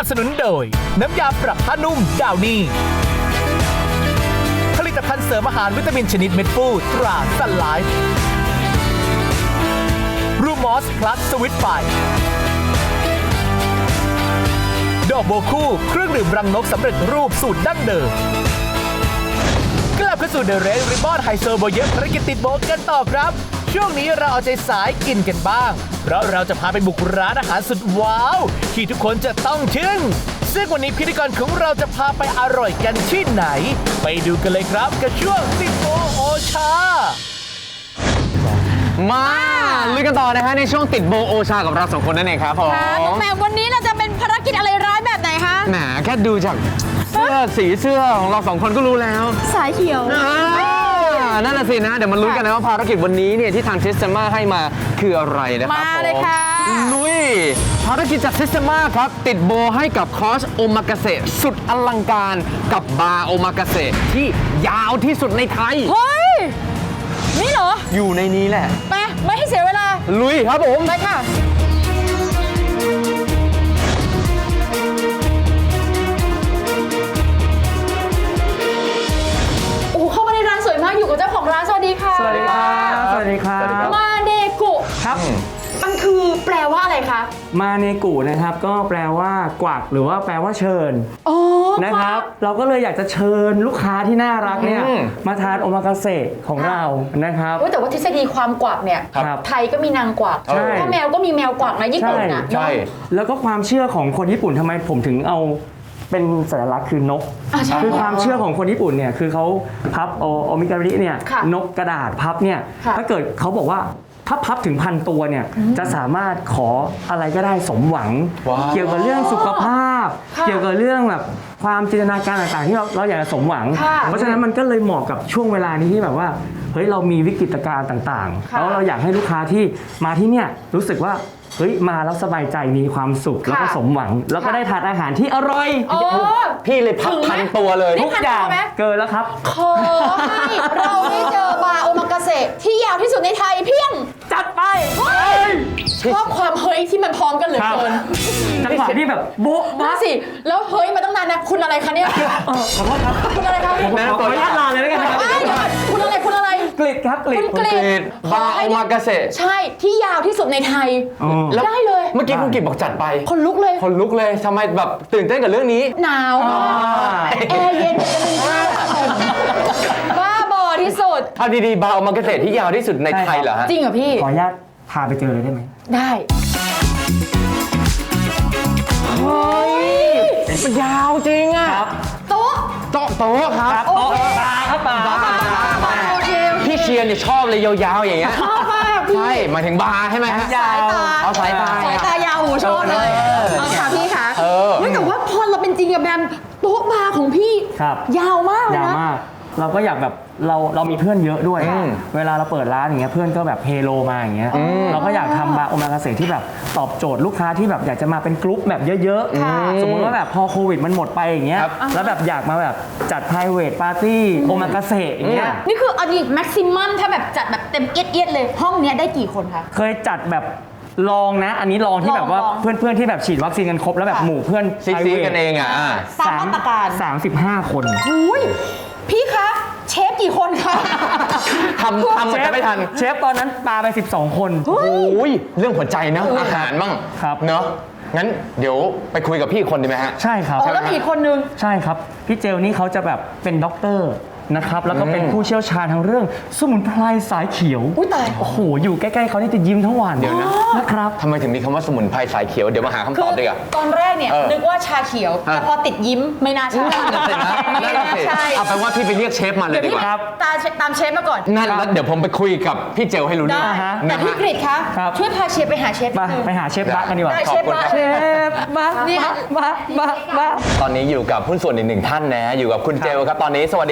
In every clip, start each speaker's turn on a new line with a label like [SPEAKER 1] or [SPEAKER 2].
[SPEAKER 1] สนุนโดยน้ำยาปรับผ้านุ่มดาวนี่ผลิตภัณฑ์เสริมอาหารวิตามินชนิดเม็ดฟูตราซันไลฟ์รูมอสพลัสสวิตไฟดอกโบคู่เครื่องดื่มรังนกสำเร็จรูปสูตรดั้งเดิมกลับเข้าสู่เดอะเรดริบบอนไฮโซโบเยอะภารกิจติดโบกันต่อครับช่วงนี้เราเอาใจสายกินกันบ้างเพราะเราจะพาไปบุกร้านอาหารสุดว้าวที่ทุกคนจะต้องทึ่งซึ่งวันนี้พิธีกรของเราจะพาไปอร่อยกันที่ไหนไปดูกันเลยครับกับช่วงติดโบโอชา
[SPEAKER 2] มาลุยกันต่อนะฮะในช่วงติดโบโอชากับเราสองคนนั่นเองครับผม
[SPEAKER 3] แหมวันนี้เราจะเป็นภารกิจอะไรร้ายแบบไหนคะ
[SPEAKER 2] แหมแค่ดูจากสีเสื้อของเราสองคนก็รู้แล้ว
[SPEAKER 3] สายเขียว
[SPEAKER 2] นั่นน่ะสินะเดี๋ยวมาลุ้นกันนะว่าภารกิจวันนี้เนี่ยที่ทางเทสมาให้มาคืออะไรนะครับ
[SPEAKER 3] มาเลยค่ะ
[SPEAKER 2] ลุยภารกิจจากเทสมาครับติดโบให้กับคอร์สโอมากาเสะสุดอลังการกับบาร์โอมากาเสะที่ยาวที่สุดในไทย
[SPEAKER 3] เฮ้ยนี่เหรอ
[SPEAKER 2] อยู่ในนี้แหละ
[SPEAKER 3] ไปไม่ให้เสียเวลา
[SPEAKER 2] ลุยครับผม
[SPEAKER 3] ไปค่ะเข้ามาในร้านสวยมากอยู่กับเจ้าของร้านสวัสดีค่ะ
[SPEAKER 2] สวัสดีครับสวัสดีครับ
[SPEAKER 3] มาเนกุ
[SPEAKER 4] ครับ
[SPEAKER 3] มันคือแปลว่าอะไรคะ
[SPEAKER 4] มาเนกุนะครับก็แปลว่ากวักหรือว่าแปลว่าเชิญนะครับเราก็เลยอยากจะเชิญลูกค้าที่น่ารักเนี่ยมาทานโอมากาเสะของเรานะครับ
[SPEAKER 3] แต่ว่าทฤษฎีความกวักเนี่ยไทยก็มีนางกวักถ้าแมวก็มีแมวกวักนะญี่ปุ่นนะ
[SPEAKER 2] ใช่
[SPEAKER 4] แล้วก็ความเชื่อของคนญี่ปุ่นทำไมผมถึงเอาเป็นสัญลักษณ์คือนกคือความเชื่อของคนญี่ปุ่นเนี่ยคือเขาพับโอมิการิเนี่ยนกกระดาษพับเนี่ยถ้าเกิดเขาบอกว่าถ้าพับถึง1,000 ตัวเนี่ยจะสามารถขออะไรก็ได้สมหวังเกี่ยวกับเรื่องสุขภาพเกี่ยวกับเรื่องแบบความจินตนาการต่างๆที่เราอยากจะสมหวังเพราะฉะนั้นมันก็เลยเหมาะกับช่วงเวลานี้ที่แบบว่าเฮ้ยเรามีวิกฤตการณ์ต่างๆแล้วเราอยากให้ลูกค้าที่มาที่เนี่ยรู้สึกว่าเฮ้ยมาแล้วสบายใจมีความสุขแล้วก็สมหวังแล้วก็ได้ทานอาหารที่อร่อย
[SPEAKER 2] พี่เลยพับ1,000 ตัวเลย
[SPEAKER 4] ทุกอย่างเกินแล้วครับ
[SPEAKER 3] ขอให้เราได้เจอบาร์โอมากาเสะที่ยาวที่สุดในไทยเพียง
[SPEAKER 4] จัดไป
[SPEAKER 3] ชอบความเฮ้ยที่มันพร้อมกันเหลือเกิน
[SPEAKER 4] จังหวะที่แบบโบ๊ะ
[SPEAKER 3] มาสิแล้วเฮ้ยมาตั้งนานนะคุณอะไรคะเนี่ย
[SPEAKER 4] ขอโทษครับ
[SPEAKER 3] คุณอะไรคะ
[SPEAKER 4] ผมขออนุญาตลาเลยแล้วกันครับ
[SPEAKER 3] คุณอะไร
[SPEAKER 4] กลิดครับกลิด
[SPEAKER 2] บาร์โอมากาเสะ
[SPEAKER 3] ใช่ที่ยาวที่สุดในไทยได้เลย
[SPEAKER 2] เมื่อกี้คุณกิตบอกจัดไป
[SPEAKER 3] คนลุกเลย
[SPEAKER 2] ทำไมแบบตื่นเต้นกับเรื่องนี้
[SPEAKER 3] หนาวแอร์เย็นบ้าบอที่สุด
[SPEAKER 2] เอาดีๆบาร์โอมากาเสะที่ยาวที่สุดในไทยเหรอฮะ
[SPEAKER 3] จริงเหรอพี่
[SPEAKER 4] ขออนุญาตพาไปเจอเลยได้ไหม
[SPEAKER 3] ได้
[SPEAKER 2] เฮ้ยมันยาวจริงอ่ะ
[SPEAKER 3] โต๊ะ
[SPEAKER 2] ครับโต๊ะ
[SPEAKER 4] บาร์ครับบาร์
[SPEAKER 2] พี่เชียร์เนี่ยชอบเลยยาวๆอย่างเงี้ย
[SPEAKER 3] ชอบมาก
[SPEAKER 2] ใช่หมายถึงบาร์ใช่ไหมฮะ
[SPEAKER 3] สายตา
[SPEAKER 2] เอาสาย
[SPEAKER 3] ตายาวหูชอบเลยเอาค่ะพี่ค่ะแต่ว่าพอเราเป็นจริงกับแบมโต๊ะบาร์ของพี่ยาวมากเลยนะ
[SPEAKER 4] เราก็อยากแบบเรามีเพื่อนเยอะด้วยเวลาเราเปิดร้านอย่างเงี้ยเพื่อนก็แบบเฮโลมาอย่างเงี้ยเราก็อยากทำบาร์โอมากาเสะที่แบบตอบโจทย์ลูกค้าที่แบบอยากจะมาเป็นกรุ๊ปแบบเยอะๆสมมติว่าแบบพอโควิดมันหมดไปอย่างเงี้ยแล้วแบบอยากมาแบบจัด private party โอมากาเสะอย่างเงี้ย
[SPEAKER 3] นี่คืออันนี้แม็กซิมัมถ้าแบบจัดแบบเต็มเอียดเลยห้องเนี้ยได้กี่คนคะ
[SPEAKER 4] เคยจัดแบบลองนะอันนี้ลองที่แบบว่าเพื่อนๆที่แบบฉีดวัคซีนกันครบแล้วแบบหมู่เพื่อน
[SPEAKER 2] ซีกันเองอ่ะ
[SPEAKER 3] ตามมาตรการ
[SPEAKER 4] 35 คน
[SPEAKER 3] อุ้ยพี่คะเชฟกี่คนคะ
[SPEAKER 2] ทำมันจะไม่ทัน
[SPEAKER 4] เชฟตอนนั้นปาไป12 คน
[SPEAKER 2] โอ้ยเรื่องหัวใจนะอาหารบ้าง
[SPEAKER 4] ครับ
[SPEAKER 2] เนอะงั้นเดี๋ยวไปคุยกับพี่คนดีไหมฮะ
[SPEAKER 4] ใช่ครับ
[SPEAKER 3] แล้วมีคนนึง
[SPEAKER 4] ใช่ครับพี่เจลนี่เขาจะแบบเป็นด็อกเตอร์นะครับแล้วก็เป็นผู้เชี่ยวชาญทางเรื่องสมุนไพรสายเขียว
[SPEAKER 3] ตาย
[SPEAKER 4] โอ้โหอยู่ใกล้ๆเขานี่จะยิ้มทั้งวัน
[SPEAKER 2] เดี๋ยว
[SPEAKER 4] นะครับ
[SPEAKER 2] ทำไมถึงมีคำว่าสมุนไพรสายเขียวเดี๋ยวมาหาคำตอบดีกว่า
[SPEAKER 3] ตอนแรกเนี่ยนึกว่าชาเขียวแต่พอติดยิ้มไม่น่าใช่
[SPEAKER 2] ไม่น่าใช่เอาเป็นว่าพี่ไปเรียกเชฟมาเลยดีกว่า
[SPEAKER 3] ตามเชฟมาก่อน
[SPEAKER 2] นั่นแล้วเดี๋ยวผมไปคุยกับพี่เจลให้รู้
[SPEAKER 3] ได้แต่พี่กฤษคะช่วยพาเชฟไปหาเชฟ
[SPEAKER 4] ไปหาเชฟบักกันดีกว่า
[SPEAKER 3] เชฟบัก
[SPEAKER 4] นี่บัก
[SPEAKER 2] ตอนนี้อยู่กับหุ้นส่วนอีก1 ท่านนะอยู่กับคุณเจลครับตอนนี้สวัสดีครับ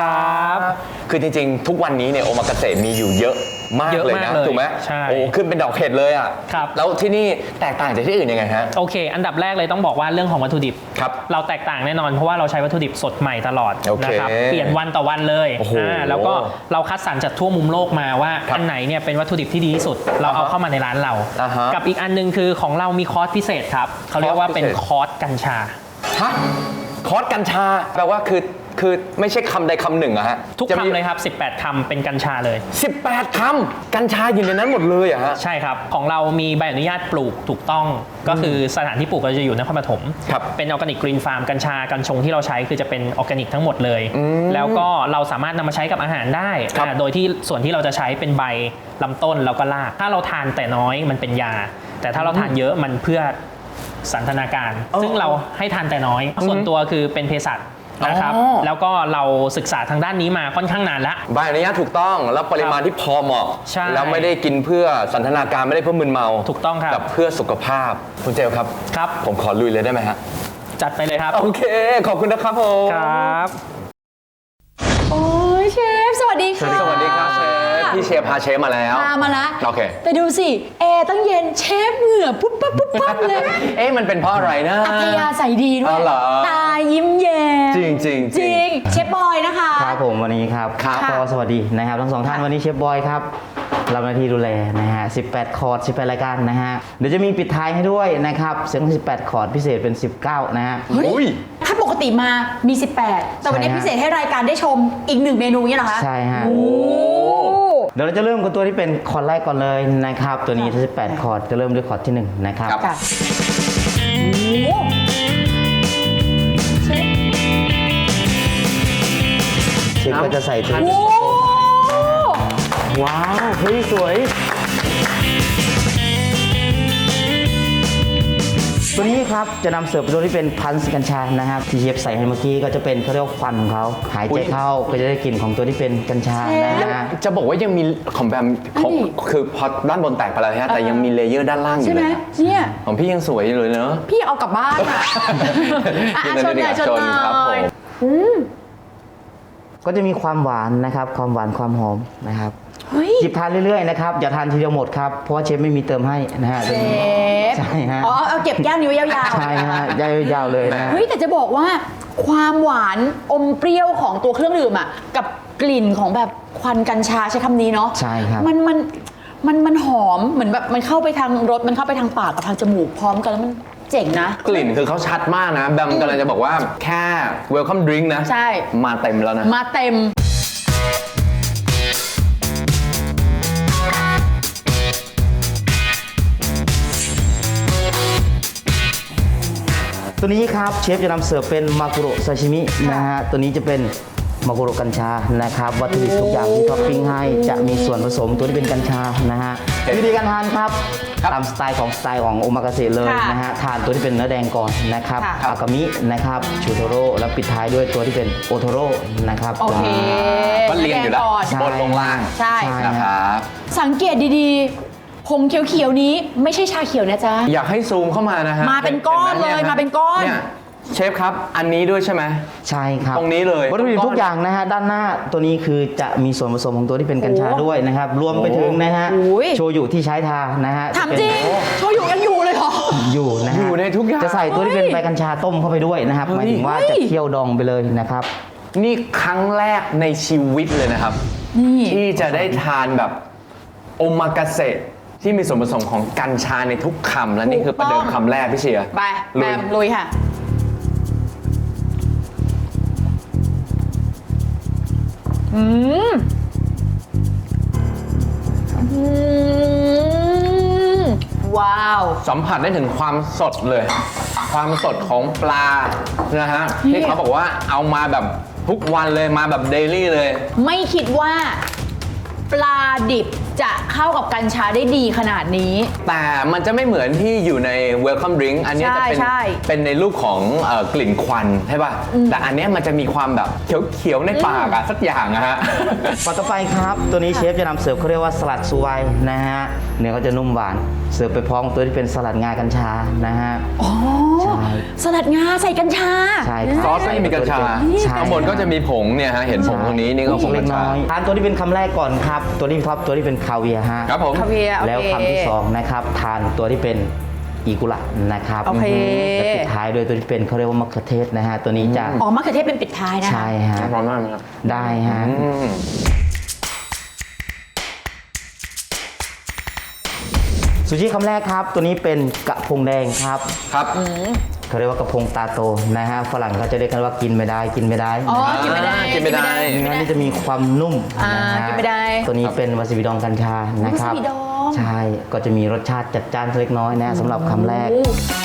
[SPEAKER 2] ครับ
[SPEAKER 5] คือจริงๆ ทุกวันนี้เนี่ยโอมากาเสะมีอยู่เยอะมาก
[SPEAKER 2] เยอะ
[SPEAKER 5] เลย
[SPEAKER 2] มาก
[SPEAKER 5] นะ
[SPEAKER 2] เลย
[SPEAKER 5] ถูกไหม
[SPEAKER 2] ใช่
[SPEAKER 5] โอ้ขึ้นเป็นดอกเห็ดเลยอ่ะ
[SPEAKER 2] ครับ
[SPEAKER 5] แล้วที่นี่แตกต่างจากที่อื่นยังไงฮะ
[SPEAKER 2] โอเค อันดับแรกเลยต้องบอกว่าเรื่องของวัตถุดิบ
[SPEAKER 5] ครับ
[SPEAKER 2] เราแตกต่างแน่นอนเพราะว่าเราใช้วัตถุดิบสดใหม่ตลอด
[SPEAKER 5] โอเค
[SPEAKER 2] นะครับเปลี่ยนวันต่อวันเลย
[SPEAKER 5] โอ้โห
[SPEAKER 2] แล้วก็เราคัดสรรจากทั่วมุมโลกมาว่า
[SPEAKER 5] ครับ
[SPEAKER 2] อันไหนเนี่ยเป็นวัตถุดิบที่ดีที่สุด เราเอาเข้ามาในร้านเรา
[SPEAKER 5] อ่าฮะ
[SPEAKER 2] กับอีกอันนึงคือของเรามีคอร์สพิเศษครับเขาเรียกว่าเป็น
[SPEAKER 5] คอร์สพิเศษ
[SPEAKER 2] คอร์สกัญชา
[SPEAKER 5] ฮะคอร์สกัญชาแปลว่าคือไม่ใช่คำใดคำหนึ่งอะฮะ
[SPEAKER 2] ทุก
[SPEAKER 5] จะมี
[SPEAKER 2] คำเลยครับ 18 คำเป็นกัญชาเลย
[SPEAKER 5] 18 คำกัญชาอยู่ในนั้นหมดเลยอะฮะ
[SPEAKER 2] ใช่ครับ ของเรามีใบอนุญาตปลูกถูกต้อง ก็คือสถานที่ปลูกเราจะอยู่นครปฐม
[SPEAKER 5] ครับ
[SPEAKER 2] เป็นออร์แกนิกกรีนฟาร์มกัญชากัญชงที่เราใช้คือจะเป็นออร์แกนิกทั้งหมดเลย แล้วก็เราสามารถนำมาใช้กับอาหารได้
[SPEAKER 5] ครับ
[SPEAKER 2] โดยที่ส่วนที่เราจะใช้เป็นใบลำต้นแล้วก็ราก ถ้าเราทานแต่น้อยมันเป็นยา แต่ถ้าเราทานเยอะมันเพื่อสันทนาการ ซึ่งเราให้ทานแต่น้อย ส่วนตัวคือเป็นเภสัชนะครับ
[SPEAKER 5] อ๋อ
[SPEAKER 2] แล้วก็เราศึกษาทางด้านนี้มาค่อนข้างนานแล้ว
[SPEAKER 5] ใบอนุญาตถูกต้องแล้วปริมาณที่พอเหมาะ
[SPEAKER 2] ใช่
[SPEAKER 5] แล้วไม่ได้กินเพื่อสันทนาการไม่ได้เพื่อมึนเมา
[SPEAKER 2] ถูกต้องครับ
[SPEAKER 5] แต่เพื่อสุขภาพคุณเจลครับ
[SPEAKER 2] ครับ
[SPEAKER 5] ผมขอลุยเลยได้ไหมฮะ
[SPEAKER 2] จัดไปเลยครับ
[SPEAKER 5] โอเค ขอบคุณนะครับผม
[SPEAKER 2] ครับ
[SPEAKER 3] โอ้ยเชฟ สวัสดีค่ะ
[SPEAKER 5] สวัสดีครับเชฟพี่เชฟพาเชฟมาแล้ว
[SPEAKER 3] พามาละ
[SPEAKER 5] โอเค
[SPEAKER 3] แต่ดูสิแอร์ตั้งเย็นเชฟเหงื่อปุ๊บปั๊บปุ๊บปั๊บเลย
[SPEAKER 5] เอ๊ะมันเป็นเพราะอะไรนะ
[SPEAKER 3] อัธยาศัยดีด้ว
[SPEAKER 5] อ๋
[SPEAKER 3] ย
[SPEAKER 5] อเหรอ
[SPEAKER 3] ตายิ้มแย้ม
[SPEAKER 5] จริงจริง
[SPEAKER 3] จริงเชฟบอยนะคะ
[SPEAKER 6] ครับผมวันนี้ครับ
[SPEAKER 5] ครับ
[SPEAKER 6] ก็สวัสดีนะครับทั้งสองท่านวันนี้เชฟบอยครับรับหน้าที่ดูแลนะฮะ18 คอร์ด18 รายการนะฮะเดี๋ยวจะมีปิดท้ายให้ด้วยนะครับเสียง18 คอร์ดพิเศษเป็น 19 นะฮะ
[SPEAKER 5] อุ้ย
[SPEAKER 3] ถ้าปกติมามี 18 แต่วันนี้
[SPEAKER 6] ใช่ฮะ
[SPEAKER 3] พิเศษให้รายการได้ชมอีก1เมนูเนี่ยเหรอคะ
[SPEAKER 6] ใช่ฮะ
[SPEAKER 3] โอ้
[SPEAKER 6] เดี๋ยวเราจะเริ่มกับตัวที่เป็นคอร์ดแรกก่อนเลยนะครับตัวนี้18 คอร์ดจะเริ่มด้วยคอร์ดที่ 1 นะครับ
[SPEAKER 5] ครับ
[SPEAKER 3] ค่ะโอ้เชฟ
[SPEAKER 6] เชฟก็จะใส่ตัว
[SPEAKER 3] โอ้
[SPEAKER 6] ว้าวเฮ้ยสวย ตัวนี้ครับจะนำเสิร์ฟเป็นตัวที่เป็นพันธุ์กัญชานะครับที่เชฟใส่ให้เมื่อกี้ก็จะเป็นเขาเรียกว่าควันของเขาหายใจเข้าก็จะได้กลิ่นของตัวที่เป็นกัญชานะฮะ
[SPEAKER 5] จะบอกว่ายังมีของแบมของคือพอด้านบนแตกไปแล้วฮะแต่ยังมีเลเยอร์ด้านล่างอ
[SPEAKER 3] ใช่
[SPEAKER 5] ยู่
[SPEAKER 3] ไหม
[SPEAKER 5] เลย
[SPEAKER 3] เนี่ย
[SPEAKER 5] ของพี่ยังสวยอยู่เลยเนอะ
[SPEAKER 3] พี่เอากลับบ้านอ่ะอ่ะ
[SPEAKER 5] ยิน
[SPEAKER 3] ช
[SPEAKER 5] ดี
[SPEAKER 3] นหน่อยชน
[SPEAKER 5] ชน
[SPEAKER 3] หน่
[SPEAKER 5] ครับผ
[SPEAKER 3] อย
[SPEAKER 5] ม
[SPEAKER 6] ก็จะมีความหวานนะครับความหวานความหอมนะครับ
[SPEAKER 3] เฮ้ย
[SPEAKER 6] หยิบทานเรื่อยๆนะครับอย่าทานทีเดียวหมดครับเพราะว่าเชฟไม่มีเติมให้นะฮะ
[SPEAKER 3] เชฟ
[SPEAKER 6] ใช่ฮะ
[SPEAKER 3] อ๋อเอาเก็บแก้มนิ้วยาวๆ
[SPEAKER 6] ใช่ฮะยาวๆเลยนะ
[SPEAKER 3] เฮ้ยแต่จะบอกว่าความหวานอมเปรี้ยวของตัวเครื่องดื่มอ่ะกับกลิ่นของแบบควันกัญชาใช้คำนี้เนาะ
[SPEAKER 6] ใช่ครับ
[SPEAKER 3] มันหอมเหมือนแบบมันเข้าไปทางรสมันเข้าไปทางปากกับทางจมูกพร้อมกันแล้วมันเจ๋งนะ
[SPEAKER 5] กลิ่นคือเขาชัดมากนะแบมกำลังจะบอกว่าแค่ welcome drink นะ
[SPEAKER 3] ใช่
[SPEAKER 5] มาเต็มแล้วนะ
[SPEAKER 3] มาเต็ม
[SPEAKER 6] ตัวนี้ครับเชฟจะนำเสิร์ฟเป็นมากุโระซาชิมินะฮะตัวนี้จะเป็นมากุโระกัญชานะครับวัตถุดิบทุกอย่างที่ท็อปปิ้งให้จะมีส่วนผสมตัวที่เป็นกัญชานะฮะวิธีการทานครับตามสไตล์ของโอมากาเสะเลย
[SPEAKER 3] ค่ะ
[SPEAKER 6] นะฮะทานตัวที่เป็นเนื้อแดงก่อนนะครับ
[SPEAKER 3] ค่ะ
[SPEAKER 6] อากามินะครับชูโทโร่แล้วปิดท้ายด้วยตัวที่เป็นโอโทโร่นะครับ
[SPEAKER 3] โอเค
[SPEAKER 5] ก็เรียงอยู่แล้ว
[SPEAKER 3] ก่อน
[SPEAKER 6] ใช่
[SPEAKER 5] บนลงล่าง
[SPEAKER 3] ใช่
[SPEAKER 5] นะครับ
[SPEAKER 3] สังเกตดีๆผงเขียวๆนี้ไม่ใช่ชาเขียวนะจ๊ะ
[SPEAKER 5] อยากให้ซูมเข้ามานะฮะ
[SPEAKER 3] มาเป็นก้อน
[SPEAKER 5] ห็ไห
[SPEAKER 3] เลย
[SPEAKER 5] ฮะ
[SPEAKER 3] มาเป็นก้อน
[SPEAKER 5] เนี่ยเชฟครับ อันนี้ด้วยใช่ไหม
[SPEAKER 6] ใช่ครับ
[SPEAKER 5] ตรงนี้เลย
[SPEAKER 6] วัตถุดิบทุกอย่างนะฮะด้านหน้าตัวนี้คือจะมีส่วนผสมของตัวที่เป็นกัญชา
[SPEAKER 3] โอ้
[SPEAKER 6] ด้วยนะครับรวมไปถึงนะฮะ
[SPEAKER 3] โอ้ย
[SPEAKER 6] โชยุที่ใช้ทานะฮะ
[SPEAKER 3] ถาม
[SPEAKER 6] จะเป็น
[SPEAKER 3] จริงโชยุยังอยู่เลยเหรอ
[SPEAKER 6] อยู่นะฮะ
[SPEAKER 5] อยู่ในทุกอย่าง
[SPEAKER 6] จะใส่ตัวที่เป็นใบกัญชาต้มเข้าไปด้วยนะครับหมายถึงว่าจะเคี่ยวดองไปเลยนะครับ
[SPEAKER 5] นี่ครั้งแรกในชีวิตเลยนะครับ
[SPEAKER 3] นี่
[SPEAKER 5] ที่จะได้ทานแบบโอมากาเสะที่มีส่วนผสมของกัญชาในทุกคำและนี่คือประเดิมคำแรกพี่เชียร์
[SPEAKER 3] ไป
[SPEAKER 5] ลุ
[SPEAKER 3] แบ
[SPEAKER 5] ย
[SPEAKER 3] มลุยค่ะอืมอืมว้าว
[SPEAKER 5] สัมผัสได้ถึงความสดเลย ความสดของปลานะฮะที่เขาบอกว่าเอามาแบบทุกวันเลยมาแบบเดลี่เลย
[SPEAKER 3] ไม่คิดว่าปลาดิบจะเข้ากับกัญชาได้ดีขนาดนี้
[SPEAKER 5] แต่มันจะไม่เหมือนที่อยู่ใน welcome drink อันเนี้ยจะเป็น
[SPEAKER 3] ใช่
[SPEAKER 5] เป็นในรูปของกลิ่นควันใช่ป่ะ แต่อันเนี้ยมันจะมีความแบบเขียวๆในปากอะสักอย่างอะฮะ
[SPEAKER 6] ต่อไปครับตัวนี้เชฟจะนำเสิร์ฟเขาเรียกว่าสลัดซูไวนะฮะเนื้อก็จะนุ่มหวานเสิร์ฟไปพร้อมตัวที่เป็นสลัดงากัญชานะฮะ
[SPEAKER 3] อ๋อ
[SPEAKER 6] ใช่
[SPEAKER 3] สลัดงาใส่กัญชา
[SPEAKER 6] ใช่ครับ
[SPEAKER 5] ซอสไม่มีกัญชา
[SPEAKER 6] ใช่
[SPEAKER 5] ข้างบนก็จะมีผงเนี่ยฮะ เห็นผงตรงนี้นี่ก็ผง
[SPEAKER 6] เล็
[SPEAKER 5] กั
[SPEAKER 6] ก
[SPEAKER 5] ญชา
[SPEAKER 6] น้อยทานตัวที่เป็นคำแรกก่อนครับตัวนี้ครับตัวที่เป็นคาเวียร์ฮะ
[SPEAKER 5] ครับผม
[SPEAKER 3] คาเวียร์โอเค
[SPEAKER 6] แล้วคำที่สองนะครับทานตัวที่เป็นอีกุระนะครับ
[SPEAKER 3] โอเค
[SPEAKER 6] และปิดท้ายด้วยตัวที่เป็นเขาเรียกว่ามะเขือเทศนะฮะตัวนี้จะ
[SPEAKER 3] อ๋อมะเขือเทศเป็นปิดท้ายนะ
[SPEAKER 6] ใช่ฮะ
[SPEAKER 5] ร้อนมากไหมครับ
[SPEAKER 6] ได้ฮะ
[SPEAKER 5] อืม
[SPEAKER 6] ซูชิคำแรกครับตัวนี้เป็นกระพงแดงครับ
[SPEAKER 5] ครับ
[SPEAKER 6] เขาเรียกว่ากระพงตาโตนะฮะฝรั่งเขาจะเรียกกันว่ากินไม่ได้กินไม่ได้
[SPEAKER 3] อ๋อ กินไม่ได้
[SPEAKER 5] กินไม่ได้
[SPEAKER 6] เนื้อนี่จะมีความนุ่ม
[SPEAKER 3] อ่า
[SPEAKER 6] นะฮะ
[SPEAKER 3] กินไม่ได้
[SPEAKER 6] ตัวนี้เป็นวาซาบิดองกัญชานะครับ
[SPEAKER 3] วาซาบิดอง
[SPEAKER 6] ใช่ก็จะมีรสชาติจัดจ้านเล็กน้อยนะสำหรับคำแรก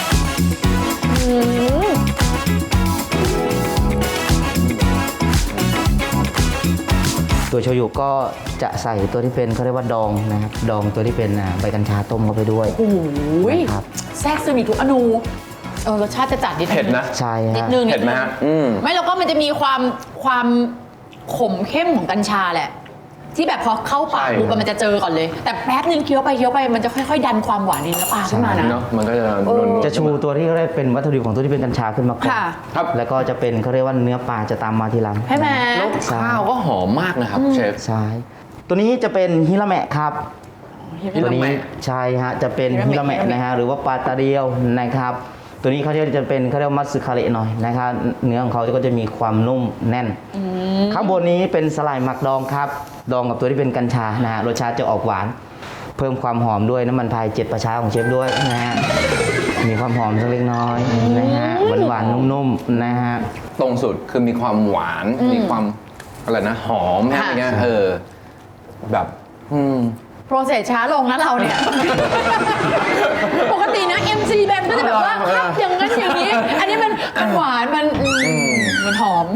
[SPEAKER 6] ตัวโชยุก็จะใส่ตัวที่เป็นเขาเรียกว่าดองนะครับดองตัวที่เป็นใบกัญชาต้มเข้าไปด้วย
[SPEAKER 3] โอ้ย
[SPEAKER 6] นะครับ
[SPEAKER 3] แทรกซึมอีกทุกอนูรสชาติจะจัดนิดนึง
[SPEAKER 5] เผ็ดนะ
[SPEAKER 6] ใช่
[SPEAKER 3] นิด
[SPEAKER 6] ฮะ
[SPEAKER 3] นึง
[SPEAKER 5] เผ็ดไหมฮะอืม
[SPEAKER 3] ไม่แล้วก็มันจะมีความขมเข้มของกัญชาแหละ ที่แบบพอเข้าปาก
[SPEAKER 5] ใช่
[SPEAKER 3] ปุ๊บมันจะเจอก่อนเลย แต่แป๊บนึงเคี้ยวไปมันจะค่อยๆ ดันความหวานในเนื้อปลาขึ้นมานะ
[SPEAKER 5] เนาะมันก็จะนวลๆ
[SPEAKER 6] จะชูตัวที่เขาเรียกเป็นวัตถุดิบของตัวที่เป็นกัญชาขึ้นมาก่อน
[SPEAKER 3] ค่ะ
[SPEAKER 5] ครับ
[SPEAKER 6] แล้วก็จะเป็นเขาเรียกว่าเนื้อปลาจะตามมาทีหลัง
[SPEAKER 3] ใช่ไหม
[SPEAKER 5] แล้วข้าวก็หอมมากนะครับเชฟ
[SPEAKER 6] ใช่ตัวนี้จะเป็นฮิราแมะครับ
[SPEAKER 5] ฮิราแมะ
[SPEAKER 6] ตัวนี้ใช่ฮะจะเป็นฮิราแมะนะฮะหรือว่าปลาตาเดียวนะครับ ตัวนี้เขาจะเป็นเขาเรียกว่ามัตสึคาเระหน่อยนะครับเนื้อของเขาก็จะมีความนุ่มแน่น ข้างบนนี้เป็นสลายหมักดองครับดองกับตัวที่เป็นกัญชานะฮะรสชาติจะออกหวาน เพิ่มความหอมด้วยน้ำมันพาย7ประชาของเชฟด้วยนะฮะมีความหอมสักเล็กน้อยนะฮะหวานๆนุ่มๆนะฮะ
[SPEAKER 5] ตรงสุดคือมีความหวาน มีความอะไรนะ หอมอะไรเงี้ยแบบ
[SPEAKER 3] โปรเซสช้าลงนะเราเนี่ย ปกตินะ MC แบมก็จะแบบว่าครับอย่างนั้นอย่างนี้ อันนี้มันหวานมันหอม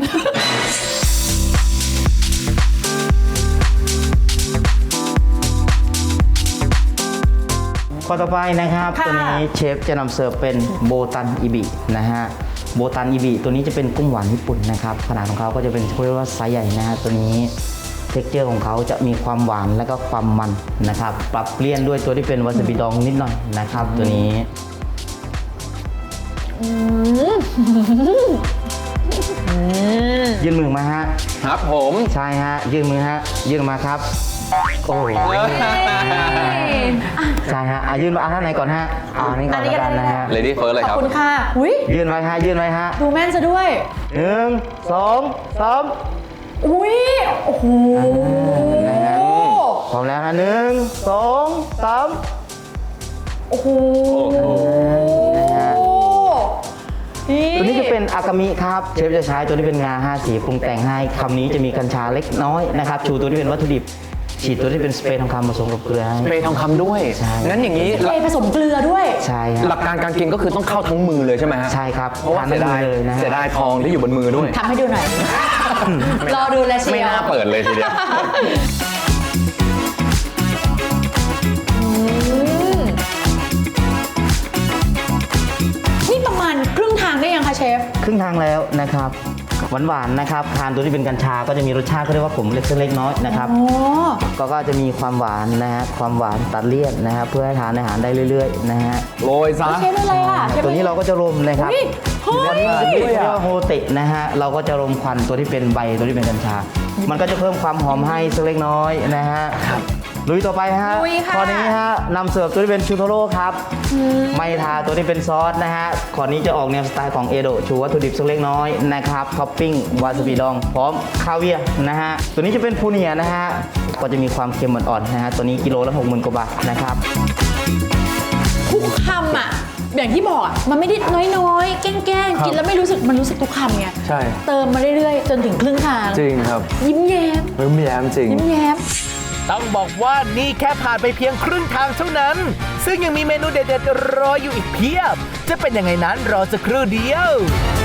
[SPEAKER 6] ข้อต่อไปนะครับ
[SPEAKER 3] ค่ะ
[SPEAKER 6] ตัวนี้เชฟจะนำเสิร์ฟเป็นโบตันอิบินะฮะโบตันอิบิตัวนี้จะเป็นกุ้งหวานญี่ปุ่นนะครับขนาดของเขาก็จะเป็นเรียกว่าไซส์ใหญ่นะฮะตัวนี้เท็กเจอร์ของเขาจะมีความหวานและก็ความมันนะครับปรับเปลี่ยนด้วยตัวที่เป็นวาซาบิดองนิดหน่อยนะครับตัวนี้ยื่นมือมาฮะ
[SPEAKER 5] ครับผม
[SPEAKER 6] ใช่ฮะยื่นมือฮะยื่นมาครับโอ้ยใช่ฮะยื่นมาท่านไหนก่อนฮะนี่ก่อนแล้วกันนะฮะ
[SPEAKER 5] เลดี้เฟิร์สเลย
[SPEAKER 3] ข
[SPEAKER 5] ค
[SPEAKER 3] อบ
[SPEAKER 5] รับ
[SPEAKER 3] คุณค่ะอุ้ย
[SPEAKER 6] ยื่นไว้ฮะยื่นไว้ฮะ
[SPEAKER 3] ดูแม่นซะด้วย
[SPEAKER 6] 1 2 3
[SPEAKER 3] อุ้ยโอ้โห
[SPEAKER 6] พร้อมแล้วนะ1 2 3
[SPEAKER 3] โอ้โห
[SPEAKER 6] นะฮะตัวนี้จะเป็นอากามิครับเชฟจะใช้ตัวที่เป็นงา5สีปรุงแต่งให้คำนี้จะมีกัญชาเล็กน้อยนะครับชูตัวที่เป็นวัตถุดิบฉีดตัวที่เป็นสเปรย์ทองคำผสมกับเกลือให้
[SPEAKER 5] เปรย์ทองคำด้วย
[SPEAKER 6] ใช่
[SPEAKER 5] งั้นอย่างนี้
[SPEAKER 3] เทผสมเกลือด้วย
[SPEAKER 6] ใช่ฮะ
[SPEAKER 5] หลักการการกินก็คือต้องเข้าทั้งมือเลยใช่ไหมฮะ
[SPEAKER 6] ใช่ครับ
[SPEAKER 5] เพราะว่า
[SPEAKER 6] ทาน
[SPEAKER 5] เสียดาย
[SPEAKER 6] ได้เลยนะฮะ
[SPEAKER 5] เสียดายทองที่อยู่บนมือด้วย
[SPEAKER 3] ทำให้ดูหน่อย รอดูแลเชี
[SPEAKER 5] ไม่
[SPEAKER 3] ยว
[SPEAKER 5] น่าเปิดเลยทีเดียว
[SPEAKER 3] นี่ประมาณครึ่งทางได้ยังคะเชฟ
[SPEAKER 6] ครึ่งทางแล้วนะครับหวานๆนะครับทานตัวที่เป็นกัญชาก็จะมีรสชาติเขาเรียกว่าขมเล็กน้อยนะครับ
[SPEAKER 3] โอ้
[SPEAKER 6] ก็จะมีความหวานนะฮะความหวานตัดเลี่ยนนะฮะเพื่อให้ทานอาหารได้เรื่อยๆนะฮะ
[SPEAKER 5] โรยซะ
[SPEAKER 3] เชฟอะไรอ่ะเชฟ
[SPEAKER 6] ตัวนี้เราก็จะรมนะครับ
[SPEAKER 3] เฮ้ยเฮ้ย
[SPEAKER 6] เรียกว่าโฮเตะนะฮะเราก็จะรมควันตัวที่เป็นใบตัวที่เป็นกัญชา มันก็จะเพิ่มความหอมให้สักเล็กน้อยนะฮะลุยต่อไปฮะ
[SPEAKER 3] ลุยค่ะ
[SPEAKER 6] ข้อนี้ฮะนำเสิร์ฟตัวที่เป็นชูโทโร่ครับไม่ทาตัวที่เป็นซอสนะฮะข้อนี้จะออกแนวสไตล์ของเอโดะชูวัตถุดิบสักเล็กน้อยนะครับท็อปปิ้งวาซาบิดองพร้อมคาเวียร์นะฮะตัวนี้จะเป็นพูเนียนะฮะก็จะมีความเค็มอ่อนๆนะฮะตัวนี้กิโลละ60,000 กว่าบาทนะครับ
[SPEAKER 3] ทุกคำอ่ะ อย่างที่บอกอะมันไม่ได้น้อยๆ แกล้งๆ กินแล้วไม่รู้สึกมันรู้สึกทุกคำไง
[SPEAKER 5] ใช่
[SPEAKER 3] เติมมาเรื่อยๆ จนถึงครึ่งทาง
[SPEAKER 5] จริงครับ
[SPEAKER 3] ยิ้มแย้ม
[SPEAKER 5] ไม่แย้มจริง
[SPEAKER 3] ยิ้มแย้ม
[SPEAKER 1] ต้องบอกว่านี่แค่ผ่านไปเพียงครึ่งทางเท่านั้น ซึ่งยังมีเมนูเด็ดๆรออยู่อีกเพียบ จะเป็นยังไงนั้นรอสักครู่เดียว